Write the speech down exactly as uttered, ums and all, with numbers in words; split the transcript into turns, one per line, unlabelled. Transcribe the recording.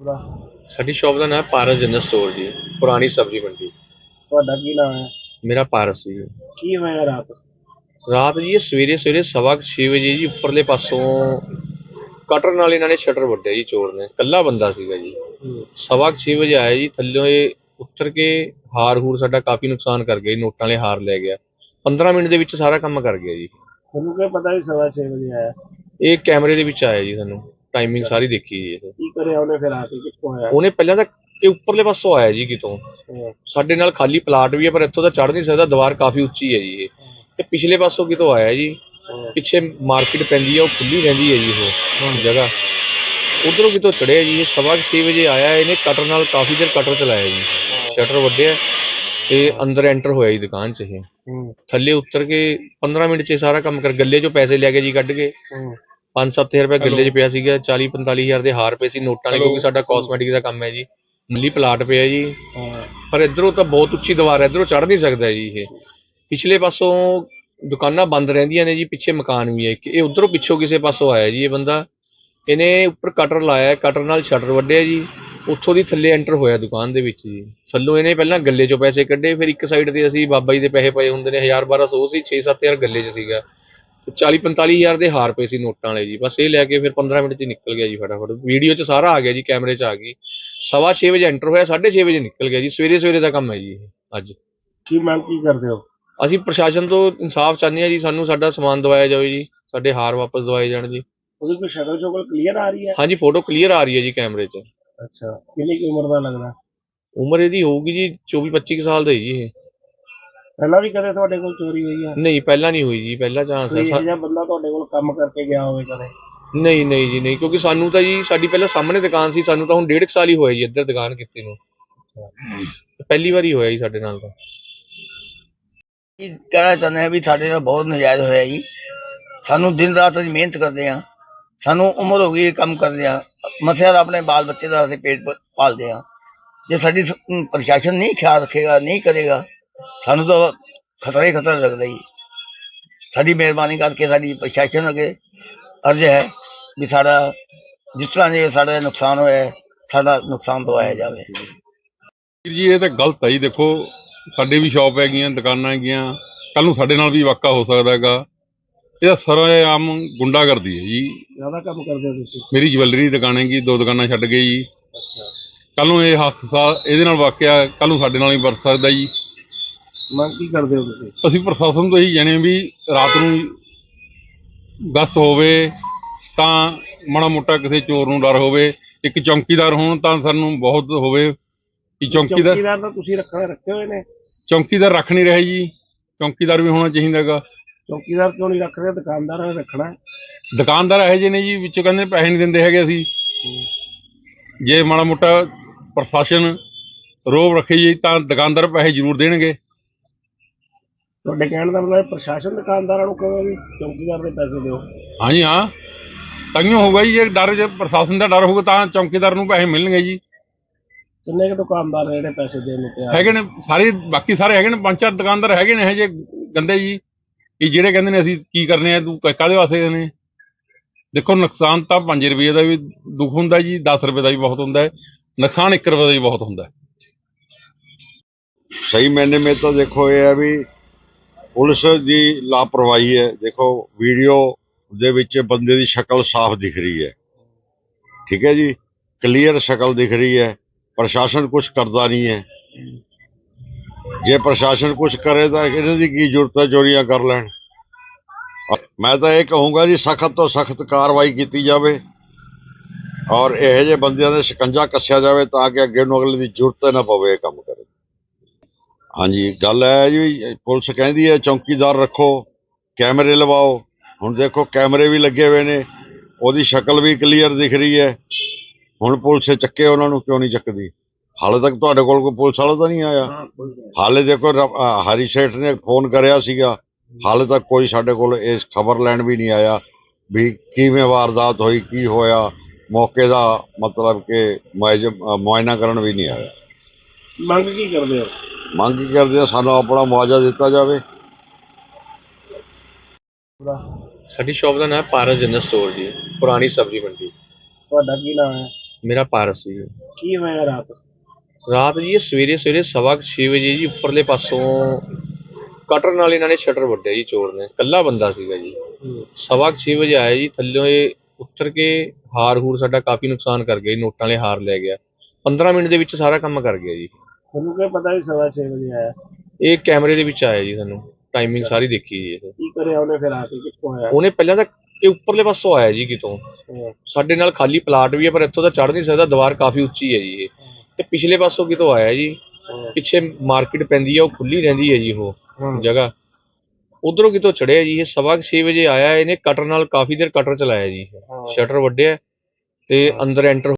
ਸਾਡੀ ਸ਼ੌਪ ਦਾ ਨਾਮ ਪਾਰਸ general store ਜੀ, ਪੁਰਾਣੀ ਸਬਜ਼ੀ ਮੰਡੀ।
ਤੁਹਾਡਾ ਕੀ ਨਾਮ ਹੈ?
ਮੇਰਾ ਪਾਰਸ ਜੀ।
ਕੀ ਹੋਇਆ ਰਾਤ?
ਰਾਤ ਜੀ ਇਹ ਸਵੇਰੇ ਸਵੇਰੇ ਸਵਾ ਕੁ ਛੇ ਵਜੇ ਜੀ ਉੱਪਰਲੇ ਪਾਸੋਂ ਕਟਰ ਨਾਲ ਇਹਨਾਂ ਨੇ ਸ਼ਟਰ ਵੱਢਿਆ ਜੀ, ਚੋਰ ਨੇ। ਇਕੱਲਾ ਬੰਦਾ ਸੀਗਾ ਜੀ। ਸਵਾ ਕੁ ਛੇ ਵਜੇ ਆਇਆ ਜੀ, ਥੱਲਿਓਂ ਇਹ ਉੱਤਰ ਕੇ ਹਾਰ ਹੂਰ ਸਾਡਾ ਕਾਫੀ ਨੁਕਸਾਨ ਕਰ ਗਿਆ ਜੀ, ਨੋਟਾਂ ਵਾਲੇ ਹਾਰ ਲੈ ਗਿਆ। ਪੰਦਰਾਂ ਮਿੰਟ ਦੇ ਵਿੱਚ ਸਾਰਾ ਕੰਮ ਕਰ ਗਿਆ ਜੀ।
ਤੁਹਾਨੂੰ ਕੀ ਪਤਾ ਵੀ ਸਵਾ ਛੇ ਵਜੇ ਆਇਆ?
ਇਹ ਕੈਮਰੇ ਦੇ ਵਿੱਚ ਆਇਆ ਜੀ, ਸਾਨੂੰ ਟਾਈਮਿੰਗ ਸਾਰੀ ਦੇਖੀ ਜੀ। ਇਹ
ਕੀ ਕਰਿਆ ਉਹਨੇ ਫਿਰ ਆ ਕੇ? ਕਿੱਥੋਂ ਆਇਆ?
ਉਹਨੇ ਪਹਿਲਾਂ ਤਾਂ ਇਹ ਉੱਪਰਲੇ ਪਾਸੋਂ ਆਇਆ ਜੀ ਕਿਤੋਂ।
ਹਾਂ,
ਸਾਡੇ ਨਾਲ ਖਾਲੀ ਪਲਾਟ ਵੀ ਹੈ ਪਰ ਇੱਥੋਂ ਤਾਂ ਚੜ੍ਹ ਨਹੀਂ ਸਕਦਾ, ਦੀਵਾਰ ਕਾਫੀ ਉੱਚੀ ਹੈ ਜੀ ਇਹ। ਤੇ ਪਿਛਲੇ ਪਾਸੋਂ ਕਿਤੋਂ ਆਇਆ ਜੀ,
ਹਾਂ,
ਪਿੱਛੇ ਮਾਰਕੀਟ ਪੈਂਦੀ ਹੈ, ਉਹ ਖੁੱਲੀ ਰਹਿੰਦੀ ਹੈ ਜੀ ਉਹ ਜਗ੍ਹਾ। ਉਧਰੋਂ ਕਿਤੋਂ ਚੜਿਆ ਜੀ। ਇਹ ਸਵਾ ਕੁ ਛੇ ਵਜੇ ਆਇਆ, ਇਹਨੇ ਕਟਰ ਨਾਲ ਕਾਫੀ ਦੇਰ ਕਟਰ ਚਲਾਇਆ ਜੀ, ਸ਼ਟਰ ਵੱਢਿਆ ਤੇ ਅੰਦਰ ਐਂਟਰ ਹੋਇਆ ਜੀ ਦੁਕਾਨ 'ਚ। ਇਹ
ਹੂੰ,
ਥੱਲੇ ਉਤਰ ਕੇ ਪੰਦਰਾਂ ਮਿੰਟ 'ਚ ਇਹ ਸਾਰਾ ਕੰਮ ਕਰ, ਗੱਲੇ 'ਚੋਂ ਪੈਸੇ ਲੈ ਕੇ ਜੀ ਕੱਢ ਕੇ।
ਹੂੰ,
ਪੰਜ ਸੱਤ ਹਜ਼ਾਰ ਰੁਪਏ ਗੱਲੇ 'ਚ ਪਿਆ ਸੀਗਾ, ਚਾਲੀ ਪੰਤਾਲੀ ਹਜ਼ਾਰ ਦੇ ਹਾਰ ਪਏ ਸੀ ਨੋਟਾਂ ਵਾਲੇ, ਕਿਉਂਕਿ ਸਾਡਾ ਕਾਸਮੈਟਿਕ ਦਾ ਕੰਮ ਹੈ ਜੀ। ਨੀਲੀ ਪਲਾਟ ਪਿਆ ਜੀ,
ਹਾਂ,
ਪਰ ਇੱਧਰੋਂ ਤਾਂ ਬਹੁਤ ਉੱਚੀ ਦੀਵਾਰ ਹੈ, ਇੱਧਰੋਂ ਚੜ੍ਹ ਨਹੀਂ ਸਕਦਾ ਜੀ ਇਹ। ਪਿਛਲੇ ਪਾਸੋਂ ਦੁਕਾਨਾਂ ਬੰਦ ਰਹਿੰਦੀਆਂ ਨੇ ਜੀ, ਪਿੱਛੇ ਮਕਾਨ ਵੀ ਹੈ ਇੱਕ। ਇਹ ਉੱਧਰੋਂ ਪਿੱਛੋਂ ਕਿਸੇ ਪਾਸੋਂ ਆਇਆ ਜੀ ਇਹ ਬੰਦਾ। ਇਹਨੇ ਉੱਪਰ ਕਟਰ ਲਾਇਆ, ਕਟਰ ਨਾਲ ਸ਼ਟਰ ਵੱਢਿਆ ਜੀ, ਉੱਥੋਂ ਦੀ ਥੱਲੇ ਐਂਟਰ ਹੋਇਆ ਦੁਕਾਨ ਦੇ ਵਿੱਚ ਜੀ। ਥੱਲੋਂ ਇਹਨੇ ਪਹਿਲਾਂ ਗੱਲੇ 'ਚੋਂ ਪੈਸੇ ਕੱਢੇ, ਫਿਰ ਇੱਕ ਸਾਈਡ ਤੇ ਅਸੀਂ ਬਾਬਾ ਜੀ ਦੇ ਪੈਸੇ ਪਏ ਹੁੰਦੇ ਨੇ, ਹਜ਼ਾਰ ਬਾਰਾਂ ਸੌ ਸੀ, ਛੇ ਸੱਤ ਹਜ਼ਾਰ ਗੱਲੇ 'ਚ ਸੀਗਾ, ਚਾਲੀ ਪੰਤਾਲੀ ਹਜ਼ਾਰ ਦੇ ਹਾਰ ਪਏ ਸੀ ਨੋਟਾਂ ਵਾਲੇ ਜੀ। ਬਸ ਇਹ ਲੈ ਕੇ ਫਿਰ ਪੰਦਰਾਂ ਮਿੰਟ 'ਚ ਨਿਕਲ ਗਿਆ ਜੀ ਫਟਾਫਟ। ਵੀਡੀਓ 'ਚ ਸਾਰਾ ਆ ਗਿਆ ਜੀ, ਕੈਮਰੇ 'ਚ ਆ ਗਈ। ਸਵਾ ਛੇ ਵਜੇ ਐਂਟਰ ਹੋਇਆ, ਸਾਢੇ ਛੇ ਵਜੇ ਨਿਕਲ ਗਿਆ ਜੀ। ਸਵੇਰੇ ਸਵੇਰੇ ਦਾ ਕੰਮ ਹੈ ਜੀ ਇਹ ਅੱਜ।
ਕੀ ਮੰਗ ਕੀ ਕਰਦੇ ਹੋ?
ਅਸੀਂ ਪ੍ਰਸ਼ਾਸਨ ਤੋਂ ਇਨਸਾਫ ਚਾਹੁੰਦੇ ਹਾਂ ਜੀ, ਸਾਨੂੰ ਸਾਡਾ ਸਮਾਨ ਦਵਾਇਆ ਜਾਵੇ ਜੀ, ਸਾਡੇ ਹਾਰ ਵਾਪਸ ਦਵਾਏ ਜਾਣ ਜੀ।
ਉਹਦੀ ਕੋਈ ਸ਼ਕਲ ਸ਼ਕਲ ਕਲੀਅਰ ਆ ਰਹੀ ਹੈ?
ਹਾਂਜੀ, ਫੋਟੋ ਕਲੀਅਰ ਆ ਰਹੀ ਹੈ ਜੀ ਕੈਮਰੇ 'ਚ।
ਅੱਛਾ, ਕਿੰਨੀ ਕੁ ਉਮਰ ਦਾ ਲੱਗਦਾ?
ਉਮਰ ਇਹਦੀ ਹੋਊਗੀ ਜੀ ਚੌਵੀ ਪੱਚੀ ਕੁ ਸਾਲ ਦਾ ਜੀ ਇਹ।
ਪਹਿਲਾਂ ਵੀ ਕਦੇ ਤੁਹਾਡੇ ਕੋਲ ਚੋਰੀ ਹੋਈ ਹੈ?
ਨਹੀਂ, ਪਹਿਲਾਂ ਨਹੀਂ ਹੋਈ ਜੀ, ਪਹਿਲਾ ਚਾਂਸ
ਕੋਈ
ਹੈ।
ਇਹੋ ਜਿਹਾ ਬੰਦਾ ਤੁਹਾਡੇ ਕੋਲ ਕੰਮ ਕਰਕੇ ਗਿਆ ਹੋਵੇ ਕਦੇ?
ਨਹੀਂ ਨਹੀਂ ਜੀ ਨਹੀਂ, ਕਿਉਂਕਿ ਸਾਨੂੰ ਤਾਂ ਜੀ ਸਾਡੀ ਪਹਿਲਾਂ ਸਾਹਮਣੇ ਦੁਕਾਨ ਸੀ, ਸਾਨੂੰ ਤਾਂ ਹੁਣ ਡੇਢ ਕੁ ਸਾਲ ਹੀ ਹੋਇਆ ਜੀ ਇੱਧਰ ਦੁਕਾਨ ਕੀਤੀ ਨੂੰ। ਪਹਿਲੀ ਵਾਰੀ ਹੋਇਆ ਜੀ ਸਾਡੇ ਨਾਲ ਤਾਂ।
ਕੀ ਕਹਿਣਾ ਚਾਹੁੰਦੇ ਹਾਂ ਵੀ ਸਾਡੇ ਨਾਲ ਬਹੁਤ ਨਜਾਇਜ਼ ਹੋਇਆ ਜੀ। ਸਾਨੂੰ ਦਿਨ ਰਾਤ ਅਸੀਂ ਮਿਹਨਤ ਕਰਦੇ ਹਾਂ, ਸਾਨੂੰ ਉਮਰ ਹੋ ਗਈ ਇਹ ਕੰਮ ਕਰਦੇ ਹਾਂ, ਮਸਿਆ ਦਾ ਆਪਣੇ ਬਾਲ ਬੱਚੇ ਦਾ ਅਸੀਂ ਪੇਟ ਪ- ਪਾਲਦੇ ਹਾਂ। ਜੇ ਸਾਡੀ ਸ- ਅਮ ਪ੍ਰਸ਼ਾਸਨ ਨਹੀਂ ਖਿਆਲ ਰੱਖੇਗਾ, ਨਹੀਂ ਕਰੇਗਾ, ਸਾਨੂੰ ਤਾਂ ਖਤਰਾ ਹੀ ਖਤਰਾ ਲੱਗਦਾ ਜੀ। ਸਾਡੀ ਮਿਹਰਬਾਨੀ ਕਰਕੇ ਸਾਡੀ ਪ੍ਰਸ਼ਾਸਨ ਅੱਗੇ ਅਰਜ਼ ਹੈ ਵੀ ਸਾਡਾ ਜਿਸ ਤਰ੍ਹਾਂ ਜੇ ਸਾਡਾ ਨੁਕਸਾਨ ਹੋਇਆ ਹੈ, ਸਾਡਾ ਨੁਕਸਾਨ ਦਵਾਇਆ ਜਾਵੇ।
ਵੀਰ ਜੀ ਇਹ ਤਾਂ ਗਲਤ ਹੈ ਜੀ। ਦੇਖੋ ਸਾਡੇ ਵੀ ਸ਼ੌਪ ਹੈਗੀਆਂ, ਦੁਕਾਨਾਂ ਹੈਗੀਆਂ, ਕੱਲ ਨੂੰ ਸਾਡੇ ਨਾਲ ਵੀ ਵਾਕਾ ਹੋ ਸਕਦਾ ਹੈਗਾ। ਇਹਦਾ ਸਰੇਆਮ ਗੁੰਡਾਗਰਦੀ ਹੈ ਜੀ।
ਜ਼ਿਆਦਾ ਕੰਮ ਕਰਦੇ ਹੋ ਤੁਸੀਂ?
ਮੇਰੀ ਜਵੈਲਰੀ ਦੀ ਦੁਕਾਨ ਹੈਗੀ, ਦੋ ਦੁਕਾਨਾਂ ਛੱਡ ਗਏ ਜੀ।
ਅੱਛਾ,
ਕੱਲ ਨੂੰ ਇਹ ਹਾਦਸਾ ਇਹਦੇ ਨਾਲ ਵਾਕਿਆ ਕੱਲ ਨੂੰ ਸਾਡੇ ਨਾਲ ਹੀ ਵਰਤ ਸਕਦਾ ਜੀ।
ਮੰਗ ਕੀ ਕਰਦੇ ਹੋ ਤੁਸੀਂ?
ਅਸੀਂ ਪ੍ਰਸ਼ਾਸਨ ਤੋਂ ਇਹੀ ਜਾਣੇ ਵੀ ਰਾਤ ਨੂੰ ਗਸ਼ਤ ਹੋਵੇ ਤਾਂ ਮਾੜਾ ਮੋਟਾ ਕਿਸੇ ਚੋਰ ਨੂੰ ਡਰ ਹੋਵੇ, ਇੱਕ ਚੌਕੀਦਾਰ ਹੋਣ ਤਾਂ ਸਾਨੂੰ ਬਹੁਤ ਹੋਵੇ ਕਿ ਚੌਕੀਦਾਰ
ਚੌਕੀਦਾਰ ਤਾਂ ਤੁਸੀਂ ਰੱਖਣਾ ਰੱਖੇ ਹੋਏ ਨੇ?
ਚੌਕੀਦਾਰ ਰੱਖ ਨਹੀਂ ਰਹੇ ਜੀ, ਚੌਕੀਦਾਰ ਵੀ ਹੋਣਾ ਚਾਹੀਦਾ ਹੈਗਾ।
ਚੌਕੀਦਾਰ ਕਿਉਂ ਨਹੀਂ ਰੱਖ ਰਹੇ? ਦੁਕਾਨਦਾਰਾਂ ਨੇ ਰੱਖਣਾ ਹੈ।
ਦੁਕਾਨਦਾਰ ਇਹੋ ਜਿਹੇ ਨੇ ਜੀ, ਵਿੱਚੋਂ ਕਹਿੰਦੇ ਪੈਸੇ ਨਹੀਂ ਦਿੰਦੇ ਹੈਗੇ। ਅਸੀਂ ਜੇ ਮਾੜਾ ਮੋਟਾ ਪ੍ਰਸ਼ਾਸਨ ਰੋਬ ਰੱਖੇ ਜੀ ਤਾਂ ਦੁਕਾਨਦਾਰ ਪੈਸੇ ਜ਼ਰੂਰ ਦੇਣਗੇ।
ਤੁਹਾਡੇ ਕਹਿਣ ਦਾ ਮਤਲਬ ਪ੍ਰਸ਼ਾਸਨ ਦੁਕਾਨਦਾਰਾਂ ਨੂੰ ਕਹੇ ਵੀ ਚੌਕੀਦਾਰ ਦੇ ਪੈਸੇ ਦਿਓ?
ਹਾਂਜੀ ਹਾਂ, ਤਾਂਹੀਓ ਹੋਊਗਾ ਜੀ। ਜੇ ਡਰ, ਜੇ ਪ੍ਰਸ਼ਾਸਨ ਦਾ ਡਰ ਹੋਊਗਾ ਤਾਂ ਚੌਕੀਦਾਰ ਨੂੰ ਪੈਸੇ ਮਿਲਣਗੇ ਜੀ।
ਕਿੰਨੇ ਕੁ ਦੁਕਾਨਦਾਰ ਨੇ ਜਿਹੜੇ ਪੈਸੇ ਦੇਣ ਨੂੰ ਤਿਆਰ?
ਹੈਗੇ ਨੇ ਸਾਰੇ, ਬਾਕੀ ਸਾਰੇ ਹੈਗੇ ਨੇ, ਪੰਜ ਚਾਰ ਦੁਕਾਨਦਾਰ ਹੈਗੇ ਨੇ ਇਹੋ ਜਿਹੇ ਗੰਦੇ ਜੀ, ਕਿ ਜਿਹੜੇ ਕਹਿੰਦੇ ਨੇ ਅਸੀਂ ਕੀ ਕਰਨੇ ਆ, ਤੂੰ ਕਾਹਦੇ ਵਾਸਤੇ ਨੇ। ਦੇਖੋ ਨੁਕਸਾਨ ਤਾਂ ਪੰਜ ਰੁਪਏ ਦਾ ਵੀ ਦੁੱਖ ਹੁੰਦਾ ਜੀ, ਦਸ ਰੁਪਏ ਦਾ ਵੀ ਬਹੁਤ ਹੁੰਦਾ ਹੈ, ਨੁਕਸਾਨ ਇੱਕ ਰੁਪਏ ਦਾ ਵੀ ਬਹੁਤ ਹੁੰਦਾ ਹੈ।
सही मायने में तो देखो ये है भी पुलिस की लापरवाही है। देखो वीडियो दे विच बंदे की शक्ल साफ दिख रही है, ठीक है जी, क्लीयर शक्ल दिख रही है। प्रशासन कुछ करता नहीं है। जे प्रशासन कुछ करे तो इन्हां दी की जरूरत है चोरियां कर लैण। मैं तो ये कहूँगा जी सख्त तो सख्त कार्रवाई की जाए और यहो जे बंदियां दे शिकंजा कस्या जाए ताकि अगे नूं अगले की जरूरत ना पवे काम करे। हाँ जी, गल है जी, पुलिस कहती है चौकीदार रखो, कैमरे लवाओ। हुण देखो कैमरे भी लगे हुए ने, ओदी शक्ल भी क्लीयर दिख रही है। हुण पुलिस चक्के उन्होंने क्यों नहीं चकदी? हाले तक तुहाडे कोल कोई पुलिस वाला तो नहीं आया। हाले देखो हरी सेठ ने फोन करया सीगा, हाले तक कोई साडे कोल इस खबर लैण भी नहीं आया भी किवें वारदात होई, की होया, मौके दा मतलब कि मुआयना करन भी नहीं आया।
ਮੰਗ ਕੀ ਕਰਦੇ ਹੋ?
ਮੰਗ ਕੀ ਕਰਦੇ ਆ, ਸਾਨੂੰ ਆਪਣਾ ਮੁਆਵਜ਼ਾ ਦਿੱਤਾ ਜਾਵੇ।
ਸਾਡੀ ਸ਼ੌਪ ਦਾ ਨਾਮ ਪਾਰਸ ਜਨਰਲ ਸਟੋਰ ਜੀ, ਪੁਰਾਣੀ ਸਬਜ਼ੀ ਮੰਡੀ।
ਤੁਹਾਡਾ ਕੀ ਨਾਮ ਹੈ?
ਮੇਰਾ ਪਾਰਸ ਜੀ।
ਕੀ ਹੋਇਆ ਰਾਤ?
ਰਾਤ ਜੀ ਇਹ ਸਵੇਰੇ ਸਵੇਰੇ ਸਵਾ ਕੁ ਛੇ ਵਜੇ ਜੀ ਉੱਪਰਲੇ ਪਾਸੋਂ ਕਟਰ ਨਾਲ ਇਹਨਾਂ ਨੇ ਸ਼ਟਰ ਵੱਢਿਆ ਜੀ, ਚੋਰ ਨੇ। ਇਕੱਲਾ ਬੰਦਾ ਸੀਗਾ ਜੀ। ਸਵਾ ਕੁ ਛੇ ਵਜੇ ਆਇਆ ਜੀ, ਥੱਲਿਓਂ ਇਹ ਉੱਤਰ ਕੇ ਹਾਰ ਹੂਰ ਸਾਡਾ ਕਾਫੀ ਨੁਕਸਾਨ ਕਰ ਗਿਆ ਜੀ, ਨੋਟਾਂ ਵਾਲੇ ਹਾਰ ਲੈ ਗਿਆ। ਪੰਦਰਾਂ ਮਿੰਟ ਦੇ ਵਿੱਚ ਸਾਰਾ ਕੰਮ ਕਰ ਗਿਆ ਜੀ।
ਤੁਹਾਨੂੰ ਕੀ ਪਤਾ ਵੀ ਸਵਾ ਛੇ ਵਜੇ ਆਇਆ?
ਇਹ ਕੈਮਰੇ ਦੇ ਵਿੱਚ ਆਇਆ ਜੀ, ਸਾਨੂੰ ਟਾਈਮਿੰਗ ਸਾਰੀ ਦੇਖੀ ਜੀ। ਇਹ
ਕੀ ਕਰਿਆ ਉਹਨੇ ਫਿਰ ਆ ਕੇ, ਕਿੱਥੋਂ ਆਇਆ?
ਉਹਨੇ ਪਹਿਲਾਂ ਤਾਂ ਇਹ ਉੱਪਰਲੇ ਪਾਸੋਂ ਆਇਆ ਜੀ ਕਿਤੋਂ।
ਹਾਂ,
ਸਾਡੇ ਨਾਲ ਖਾਲੀ ਪਲਾਟ ਵੀ ਹੈ ਪਰ ਇੱਥੋਂ ਤਾਂ ਚੜ੍ਹ ਨਹੀਂ ਸਕਦਾ, ਦੀਵਾਰ ਕਾਫੀ ਉੱਚੀ ਹੈ ਜੀ ਇਹ। ਤੇ ਪਿਛਲੇ ਪਾਸੋਂ ਕਿਤੋਂ ਆਇਆ ਜੀ,
ਹਾਂ,
ਪਿੱਛੇ ਮਾਰਕੀਟ ਪੈਂਦੀ ਹੈ, ਉਹ ਖੁੱਲੀ ਰਹਿੰਦੀ ਹੈ ਜੀ ਉਹ
ਹਾਂ।
ਜਗ੍ਹਾ। ਉਧਰੋਂ ਕਿਤੋਂ ਚੜਿਆ ਜੀ ਇਹ, ਸਵਾ ਕੁ ਛੇ ਵਜੇ ਆਇਆ। ਇਹਨੇ ਕਟਰ ਨਾਲ ਕਾਫੀ ਦੇਰ ਕਟਰ ਚਲਾਇਆ ਜੀ,
ਹਾਂ।
ਸ਼ਟਰ ਵੱਢਿਆ ਤੇ ਅੰਦਰ ਐਂਟਰ